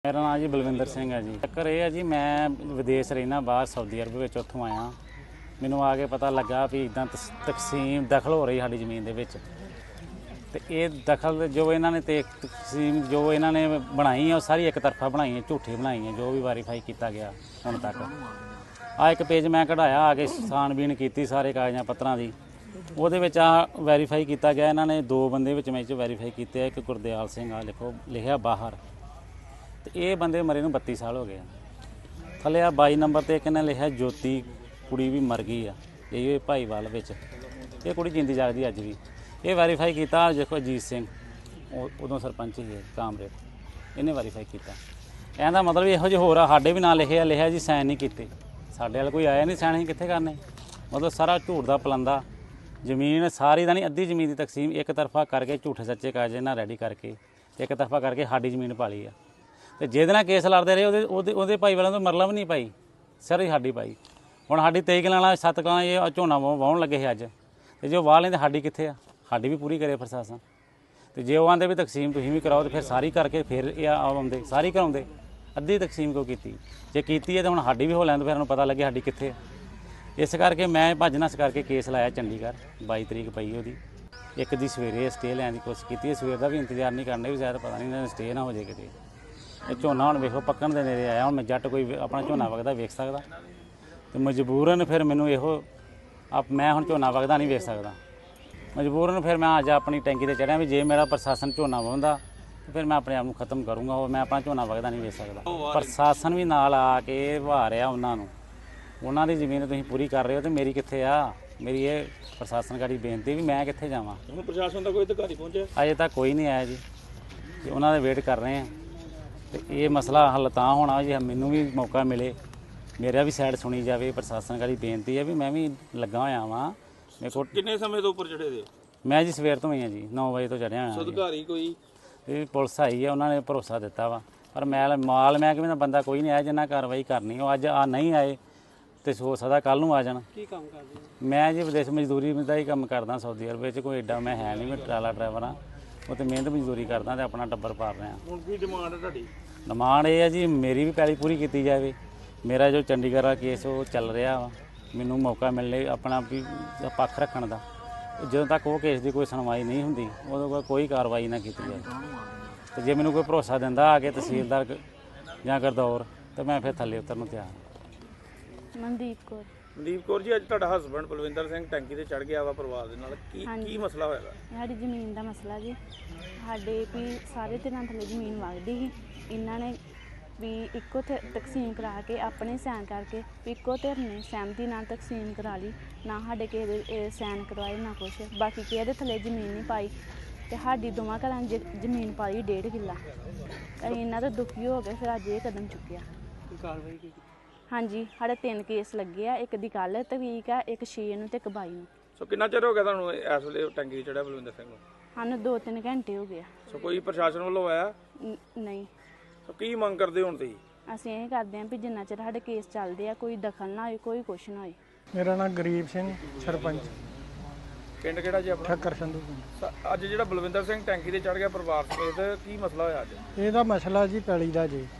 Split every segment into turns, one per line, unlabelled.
मेरा नाम जी बलविंदर सिंह है जी। चक्कर ये है जी, मैं विदेश रहना बाहर सऊदी अरब में, उत्थों आया। मैनू आके पता लगा भी इदा तकसीम दखल हो रही साड़ी ज़मीन के विच। ते ये दखल जो इन्होंने तकसीम जो इन्होंने बनाई है, सारी एक तरफा बनाई है, झूठी बनाई है। जो भी वेरीफाई किया गया हुण तक आ एक पेज मैं कढ़ाया, आके छानबीन की सारे कागज़ां पत्तरां दी, ਉਹਦੇ ਵਿੱਚ ਆ ਵੈਰੀਫਾਈ ਕੀਤਾ ਗਿਆ। ਇਹਨਾਂ ਨੇ 2 ਬੰਦੇ ਵਿੱਚ ਮੈਂ ਵੈਰੀਫਾਈ ਕੀਤੇ। ਇੱਕ ਗੁਰਦਿਆਲ ਸਿੰਘ ਆ ਲਿਖੋ ਲਿਖਿਆ ਬਾਹਰ, ਤੇ ਇਹ ਬੰਦੇ ਮਰੇ ਨੂੰ 32 ਸਾਲ ਹੋ ਗਏ ਆ। ਥੱਲੇ ਆ 22 ਨੰਬਰ ਤੇ ਇੱਕ ਨੇ ਲਿਖਿਆ ਜੋਤੀ ਕੁੜੀ ਵੀ ਮਰ ਗਈ ਆ, ਇਹ ਭਾਈਵਾਲ ਵਿੱਚ। ਇਹ ਕੁੜੀ ਜਿੰਦੀ ਜਾਗਦੀ ਅੱਜ ਵੀ। ਇਹ ਵੈਰੀਫਾਈ ਕੀਤਾ ਦੇਖੋ ਅਜੀਤ ਸਿੰਘ, ਉਦੋਂ ਸਰਪੰਚ ਹੀ ਹੈ ਕਾਮਰੇਡ, ਇਹਨੇ ਵੈਰੀਫਾਈ ਕੀਤਾ। ਇਹਦਾ ਮਤਲਬ ਇਹੋ ਜਿਹੇ ਹੋਰ ਆ, ਸਾਡੇ ਵੀ ਨਾਂ ਲਿਖਿਆ ਜੀ, ਸਾਈਨ ਨਹੀਂ ਕੀਤੇ। ਸਾਡੇ ਵਾਲ ਕੋਈ ਆਇਆ ਨਹੀਂ ਸਾਈਨ, ਅਸੀਂ ਕਿੱਥੇ ਕਰਨੇ? ਮਤਲਬ ਸਾਰਾ ਝੂਠ ਦਾ ਪਲੰਦਾ। ਜ਼ਮੀਨ ਸਾਰੀ ਦਾ ਨਹੀਂ, ਅੱਧੀ ਜ਼ਮੀਨ ਦੀ ਤਕਸੀਮ ਇੱਕ ਤਰਫਾ ਕਰਕੇ ਝੂਠੇ ਸੱਚੇ ਕਾਗਜ਼ ਨਾਲ ਰੈਡੀ ਕਰਕੇ ਇੱਕ ਤਰਫਾ ਕਰਕੇ ਸਾਡੀ ਜ਼ਮੀਨ ਪਾ ਲਈ ਆ। ਤੇ ਜਿਹਦੇ ਨਾਲ ਕੇਸ ਲੜਦੇ ਰਹੇ ਉਹਦੇ ਭਾਈ ਵਾਲਿਆਂ ਤੋਂ ਮਰਲਾ ਵੀ ਨਹੀਂ ਪਾਈ, ਸਾਰੀ ਸਾਡੀ ਪਾਈ। ਹੁਣ ਸਾਡੀ 23 ਕਨਾਲਾਂ 7 ਕਨਾਲਾਂ ਇਹ ਝੋਨਾ ਵਾਹੁਣ ਲੱਗੇ ਸੀ ਅੱਜ, ਤੇ ਜੇ ਵਾਹ ਲੈਂਦੇ ਸਾਡੀ ਕਿੱਥੇ ਆ? ਸਾਡੀ ਵੀ ਪੂਰੀ ਕਰੇ ਪ੍ਰਸ਼ਾਸਨ। ਤੇ ਜੇ ਉਹ ਆਂਦੇ ਵੀ ਤਕਸੀਮ ਤੁਸੀਂ ਵੀ ਕਰਾਓ, ਤੇ ਫਿਰ ਸਾਰੀ ਕਰਕੇ ਫਿਰ ਇਹ ਆਉਂਦੇ ਸਾਰੀ ਕਰਾਉਂਦੇ। ਅੱਧੀ ਤਕਸੀਮ ਕਿਉਂ ਕੀਤੀ? ਜੇ ਕੀਤੀ ਹੈ ਤਾਂ ਹੁਣ ਸਾਡੀ ਵੀ ਹੋ ਲੈਂਦੇ, ਫਿਰ ਉਹਨੂੰ ਪਤਾ ਲੱਗੇ ਸਾਡੀ ਕਿੱਥੇ ਆ। ਇਸ ਕਰਕੇ ਮੈਂ ਭੱਜ ਨੱਸ ਕਰਕੇ ਕੇਸ ਲਾਇਆ ਚੰਡੀਗੜ੍ਹ। 22 ਤਰੀਕ ਪਈ ਉਹਦੀ। ਇੱਕ ਦੀ ਸਵੇਰੇ ਸਟੇ ਲੈਣ ਦੀ ਕੋਸ਼ਿਸ਼ ਕੀਤੀ, ਸਵੇਰ ਦਾ ਵੀ ਇੰਤਜ਼ਾਰ ਨਹੀਂ ਕਰਨੇ, ਵੀ ਸ਼ਾਇਦ ਪਤਾ ਨਹੀਂ ਇਹਨਾਂ ਸਟੇ ਨਾ ਹੋ ਜਾਏ ਕਿਤੇ। ਇਹ ਝੋਨਾ ਹੁਣ ਵੇਖੋ ਪੱਕਣ ਦੇ ਨੇੜੇ ਆਇਆ। ਹੁਣ ਮੈਂ ਜੱਟ ਕੋਈ ਆਪਣਾ ਝੋਨਾ ਵਗਦਾ ਵੇਖ ਸਕਦਾ? ਅਤੇ ਮਜਬੂਰਨ ਫਿਰ ਮੈਨੂੰ ਇਹੋ ਮੈਂ ਹੁਣ ਝੋਨਾ ਵਗਦਾ ਨਹੀਂ ਵੇਖ ਸਕਦਾ। ਮਜਬੂਰਨ ਫਿਰ ਮੈਂ ਅੱਜ ਆਪਣੀ ਟੈਂਕੀ 'ਤੇ ਚੜ੍ਹਿਆ ਵੀ ਜੇ ਮੇਰਾ ਪ੍ਰਸ਼ਾਸਨ ਝੋਨਾ ਵਾਹੁੰਦਾ ਤਾਂ ਫਿਰ ਮੈਂ ਆਪਣੇ ਆਪ ਨੂੰ ਖਤਮ ਕਰੂੰਗਾ। ਉਹ ਮੈਂ ਆਪਣਾ ਝੋਨਾ ਵਗਦਾ ਨਹੀਂ ਵੇਖ ਸਕਦਾ। ਪ੍ਰਸ਼ਾਸਨ ਵੀ ਨਾਲ ਆ ਕੇ ਵਾਹ ਰਿਹਾ ਉਹਨਾਂ ਨੂੰ। ਉਹਨਾਂ ਦੀ ਜ਼ਮੀਨ ਤੁਸੀਂ ਪੂਰੀ ਕਰ ਰਹੇ ਹੋ, ਤੇ ਮੇਰੀ ਕਿੱਥੇ ਆ? ਮੇਰੀ ਇਹ ਪ੍ਰਸ਼ਾਸਨ ਗਾੜੀ ਬੇਨਤੀ ਵੀ ਮੈਂ ਕਿੱਥੇ ਜਾਵਾਂ।
ਹੁਣ ਪ੍ਰਸ਼ਾਸਨ ਦਾ ਕੋਈ ਅਧਿਕਾਰੀ ਪਹੁੰਚਿਆ?
ਅਜੇ ਤੱਕ ਕੋਈ ਨਹੀਂ ਆਇਆ ਜੀ, ਤੇ ਉਹਨਾਂ ਦੇ ਵੇਟ ਕਰ ਰਹੇ ਆ। ਤੇ ਇਹ ਮਸਲਾ ਹੱਲ ਤਾਂ ਹੋਣਾ ਜੇ ਮੈਨੂੰ ਵੀ ਮੌਕਾ ਮਿਲੇ, ਮੇਰਾ ਵੀ ਸਾਈਡ ਸੁਣੀ ਜਾਵੇ। ਪ੍ਰਸ਼ਾਸਨ ਗਾੜੀ ਬੇਨਤੀ ਹੈ ਵੀ ਮੈਂ ਵੀ ਲੱਗਾ ਹੋਇਆ ਵਾਂ। ਮੇਰੇ ਕੋਲ
ਕਿੰਨੇ ਸਮੇਂ ਤੋਂ ਉੱਪਰ ਚੜੇ ਦੇ?
ਮੈਂ ਜੀ ਸਵੇਰ ਤੋਂ ਹੀ ਆ ਜੀ, 9 ਵਜੇ ਤੋਂ ਚੜ੍ਹਿਆ ਹੋਇਆ।
ਅਧਿਕਾਰੀ ਕੋਈ?
ਇਹ ਪੁਲਿਸ ਆਈ ਹੈ, ਉਹਨਾਂ ਨੇ ਭਰੋਸਾ ਦਿੱਤਾ ਵਾ, ਪਰ ਮਾਲ ਮਹਿਕਮੇ ਦਾ ਬੰਦਾ ਕੋਈ ਨਹੀਂ ਆਇਆ ਜਿੰਨਾ ਕਾਰਵਾਈ ਕਰਨੀ। ਉਹ ਅੱਜ ਨਹੀਂ ਆਏ ਤੇ ਹੋ ਸਕਦਾ ਕੱਲ੍ਹ ਨੂੰ ਆ ਜਾਣ।
ਕੀ ਕੰਮ ਕਰਦੇ?
ਮੈਂ ਜੀ ਵਿਦੇਸ਼ ਮਜ਼ਦੂਰੀ ਦਾ ਹੀ ਕੰਮ ਕਰਦਾ ਸਊਦੀ ਅਰਬ ਵਿੱਚ। ਕੋਈ ਐਡਾ ਮੈਂ ਹੈ ਨਹੀਂ, ਮੈਂ ਟਰਾਲਾ ਡਰਾਈਵਰ ਹਾਂ। ਉਹ ਤੇ ਮਿਹਨਤ ਮਜ਼ਦੂਰੀ ਕਰਦਾ ਤੇ ਆਪਣਾ ਟੱਬਰ ਪਾਲ ਰਿਹਾ।
ਹੁਣ ਕੀ ਡਿਮਾਂਡ ਹੈ ਤੁਹਾਡੀ?
ਡਿਮਾਂਡ ਇਹ ਹੈ ਜੀ, ਮੇਰੀ ਵੀ ਪੈਲੀ ਪੂਰੀ ਕੀਤੀ ਜਾਵੇ। ਮੇਰਾ ਜੋ ਚੰਡੀਗੜ੍ਹ ਦਾ ਕੇਸ ਉਹ ਚੱਲ ਰਿਹਾ ਵਾ, ਮੈਨੂੰ ਮੌਕਾ ਮਿਲੇ ਆਪਣਾ ਵੀ ਪੱਖ ਰੱਖਣ ਦਾ। ਜਦੋਂ ਤੱਕ ਉਹ ਕੇਸ ਦੀ ਕੋਈ ਸੁਣਵਾਈ ਨਹੀਂ ਹੁੰਦੀ, ਉਦੋਂ ਕੋਲ ਕੋਈ ਕਾਰਵਾਈ ਨਾ ਕੀਤੀ ਜਾਵੇ। ਤੇ ਜੇ ਮੈਨੂੰ ਕੋਈ ਭਰੋਸਾ ਦਿੰਦਾ ਆ ਕੇ ਤਹਿਸੀਲਦਾਰ ਜਾਂ ਗਰਦੌਰ, ਤਾਂ ਮੈਂ ਫਿਰ ਥੱਲੇ ਉਤਰਨ ਨੂੰ ਤਿਆਰ ਹਾਂ।
ਮਨਦੀਪ ਕੌਰ
ਜੀ, ਅੱਜ ਤੁਹਾਡਾ ਹਸਬੈਂਡ ਬਲਵਿੰਦਰ ਸਿੰਘ ਟੈਂਕੀ ਤੇ ਚੜ ਗਿਆ ਵਾ ਪਰਿਵਾਰ ਦੇ ਨਾਲ, ਕੀ ਮਸਲਾ ਹੋਇਆ?
ਸਾਡੀ ਜ਼ਮੀਨ ਦਾ ਮਸਲਾ ਜੀ। ਸਾਡੇ ਵੀ ਸਾਰੇ ਧਿਰਾਂ ਥੱਲੇ ਜ਼ਮੀਨ ਵਗਦੀ ਸੀ। ਇਹਨਾਂ ਨੇ ਵੀ ਇੱਕੋ ਤਕਸੀਮ ਕਰਾ ਕੇ ਆਪਣੇ ਸਾਈਨ ਕਰਕੇ ਵੀ ਇੱਕੋ ਧਿਰ ਨੇ ਸਹਿਮਤੀ ਨਾਲ ਤਕਸੀਮ ਕਰਾ ਲਈ। ਨਾ ਸਾਡੇ ਕਿਸੇ ਦੇ ਸਾਈਨ ਕਰਵਾਏ ਨਾ ਕੁਛ। ਬਾਕੀ ਕਿਸੇ ਦੇ ਥੱਲੇ ਜ਼ਮੀਨ ਨਹੀਂ ਪਾਈ, ਤੇ ਸਾਡੀ ਦੋਵਾਂ ਘਰਾਂ ਜ਼ਮੀਨ ਪਾਈ 1.5 ਕਿੱਲਾ। ਅਸੀਂ ਇਹਨਾਂ ਤੋਂ ਦੁਖੀ ਹੋ ਕੇ ਫਿਰ ਅੱਜ ਇਹ ਕਦਮ ਚੁੱਕਿਆ।
ਕਾਰਵਾਈ ਕੀ?
ਹਾਂਜੀ, ਸਾਡੇ 3 ਕੇਸ ਲੱਗੇ ਆ। ਇੱਕ ਦੀ ਕੱਲ੍ਹ ਤਰੀਕ ਆ, ਇੱਕ 6 ਨੂੰ ਤੇ ਇੱਕ 22 ਨੂੰ।
ਸੋ ਕਿੰਨਾ ਚਿਰ ਹੋ ਗਿਆ ਤੁਹਾਨੂੰ ਇਸ ਵੇਲੇ ਟੈਂਕੀ ਚੜਿਆ ਬਲਵਿੰਦਰ ਸਿੰਘ ਨੂੰ?
ਸਾਨੂੰ 2-3 ਘੰਟੇ ਹੋ ਗਏ।
ਸੋ ਕੋਈ ਪ੍ਰਸ਼ਾਸਨ ਵੱਲੋਂ ਆਇਆ?
ਨਹੀਂ।
ਸੋ ਕੀ ਮੰਗ ਕਰਦੇ ਹੁਣ ਤੁਸੀਂ?
ਅਸੀਂ ਇਹ ਕਰਦੇ ਹਾਂ ਵੀ ਜਿੰਨਾ ਚਿਰ ਸਾਡੇ ਕੇਸ ਚੱਲਦੇ ਆ ਕੋਈ ਦਖਲ ਨਾ ਹੋਏ, ਕੋਈ ਕੁਛ ਨਾ ਹੋਏ।
ਮੇਰਾ ਨਾਮ ਗਰੀਬ ਸਿੰਘ, ਸਰਪੰਚ,
ਪਿੰਡ ਕਿਹੜਾ ਜੀ ਆਪਣਾ?
ਠੱਕਰ ਸੰਧੂ।
ਅੱਜ ਜਿਹੜਾ ਬਲਵਿੰਦਰ ਸਿੰਘ ਟੈਂਕੀ ਤੇ ਚੜ ਗਿਆ ਪਰਿਵਾਰ ਸਮੇਤ, ਕੀ ਮਸਲਾ ਹੋਇਆ ਅੱਜ?
ਇਹਦਾ ਮਸਲਾ ਜੀ ਪੈਲੀ ਦਾ ਜੀ।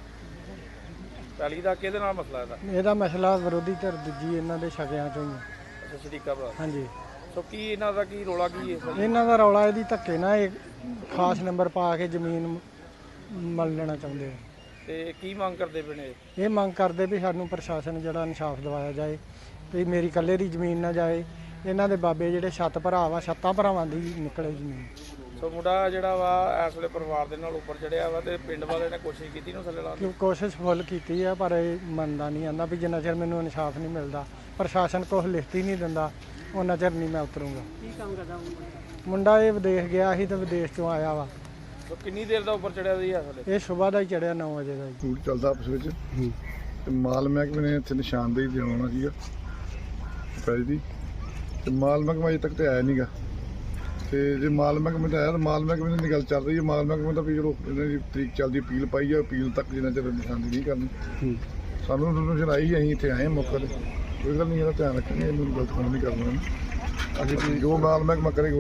ਪੈਲੀ ਦਾ ਕਿਹਦੇ ਨਾਲ ਮਸਲਾ
ਇਹਦਾ ਮਸਲਾ ਵਿਰੋਧੀ ਧਿਰ ਦੂਜੀ ਇਹਨਾਂ ਦੇ ਸ਼ਕਿਆਂ ਚੋਂ ਹੀ।
ਅੱਛਾ, ਸ਼ਰੀਕਾ ਭਰਾ।
ਹਾਂਜੀ।
ਸੋ ਕੀ ਇਹਨਾਂ ਦਾ ਕੀ ਰੋਲਾ ਕੀ ਹੈ?
ਇਹਨਾਂ ਦਾ ਰੌਲਾ ਇਹਦੀ ਧੱਕੇ ਨਾਲ ਇਹ ਖਾਸ ਨੰਬਰ ਪਾ ਕੇ ਜ਼ਮੀਨ ਮਲ ਲੈਣਾ ਚਾਹੁੰਦੇ ਆ।
ਤੇ ਕੀ ਮੰਗ ਕਰਦੇ ਪਏ ਨੇ?
ਇਹ ਮੰਗ ਕਰਦੇ ਵੀ ਸਾਨੂੰ ਪ੍ਰਸ਼ਾਸਨ ਜਿਹੜਾ ਇਨਸਾਫ ਦਿਵਾਇਆ ਜਾਏ, ਵੀ ਮੇਰੀ ਇਕੱਲੇ ਦੀ ਜ਼ਮੀਨ ਨਾ ਜਾਏ। ਇਹਨਾਂ ਦੇ ਬਾਬੇ ਜਿਹੜੇ 7 ਭਰਾ ਵਾ, 7 ਭਰਾਵਾਂ ਦੀ ਨਿਕਲੇ ਜ਼ਮੀਨ।
ਸੋ ਮੁੰਡਾ ਜਿਹੜਾ ਵਾ ਇਸ ਵੇਲੇ ਪਰਿਵਾਰ ਦੇ ਨਾਲ ਉੱਪਰ ਚੜਿਆ ਵਾ, ਤੇ ਪਿੰਡ ਵਾਲੇ ਨੇ ਕੋਸ਼ਿਸ਼ ਕੀਤੀ ਨੂੰ ਥੱਲੇ ਲਾਉਣ ਦੀ?
ਕੋਸ਼ਿਸ਼ ਫੁੱਲ ਕੀਤੀ ਆ, ਪਰ ਇਹ ਮੰਨਦਾ ਨਹੀਂ। ਆਂਦਾ ਵੀ ਜਿੰਨਾ ਚਿਰ ਮੈਨੂੰ ਇਨਸਾਫ ਨਹੀਂ ਮਿਲਦਾ, ਪ੍ਰਸ਼ਾਸਨ ਕੁਛ ਲਿਖਤ ਹੀ ਨਹੀਂ ਦਿੰਦਾ, ਉਹਨਾਂ ਚਿਰ ਨਹੀਂ ਮੈਂ ਉਤਰੂੰਗਾ।
ਕੀ ਕੰਮ ਕਰਦਾ
ਮੁੰਡਾ ਇਹ ਵਿਦੇਸ਼ ਗਿਆ ਸੀ ਤੇ ਵਿਦੇਸ਼ ਚੋਂ ਆਇਆ ਵਾ।
ਸੋ ਕਿੰਨੀ ਦੇਰ ਦਾ ਉੱਪਰ ਚੜਿਆ ਸੀ ਇਸ ਵੇਲੇ?
ਇਹ ਸਵੇਰ ਦਾ ਹੀ ਚੜਿਆ 9 ਵਜੇ ਦਾ ਜੀ।
ਫੂਡ ਚੱਲਦਾ ਆਪਸ ਵਿੱਚ, ਤੇ ਮਾਲ ਮਹਿਕਮੇ ਨੇ ਇੱਥੇ ਨਿਸ਼ਾਨਦੇਹੀ ਦੇਣਾ ਸੀਗਾ ਪੈਲੀ ਦੀ, ਤੇ ਮਾਲ ਮਹਿਕਮਾ ਅਜੇ ਤੱਕ ਤੇ ਆਇਆ ਨਹੀਂਗਾ। ਤੇ ਜੇ ਮਾਲ ਮਹਿਕਮੇ ਤੇ ਆਇਆ ਤਾਂ ਮਾਲ ਮਹਿਕਮੇ ਦੀ ਗੱਲ ਚੱਲ ਰਹੀ ਹੈ। ਮਾਲ ਮਹਿਕਮੇ ਦਾ ਵੀ ਜਦੋਂ ਇਹਨਾਂ ਦੀ ਤਰੀਕ ਚੱਲਦੀ ਅਪੀਲ ਪਾਈ ਆ, ਅਪੀਲ ਤੱਕ ਜਿੰਨਾ ਚਿਰ ਨਿਸ਼ਾਨਦੇਹੀ ਨਹੀਂ ਕਰਨੀ। ਸਾਨੂੰ ਇਨਫੋਰਮੇਸ਼ਨ ਆਈ ਸੀ, ਅਸੀਂ ਇੱਥੇ ਆਏ ਹਾਂ ਮੌਕੇ 'ਤੇ। ਕੋਈ ਗੱਲ ਨਹੀਂ, ਇਹਦਾ ਧਿਆਨ ਰੱਖਾਂਗੇ, ਇਹਨੂੰ ਗਲਤ ਕੰਮ ਨਹੀਂ ਕਰਨਾ। ਅਸੀਂ ਜੋ ਮਾਲ ਮਹਿਕਮਾ ਕਰੇਗਾ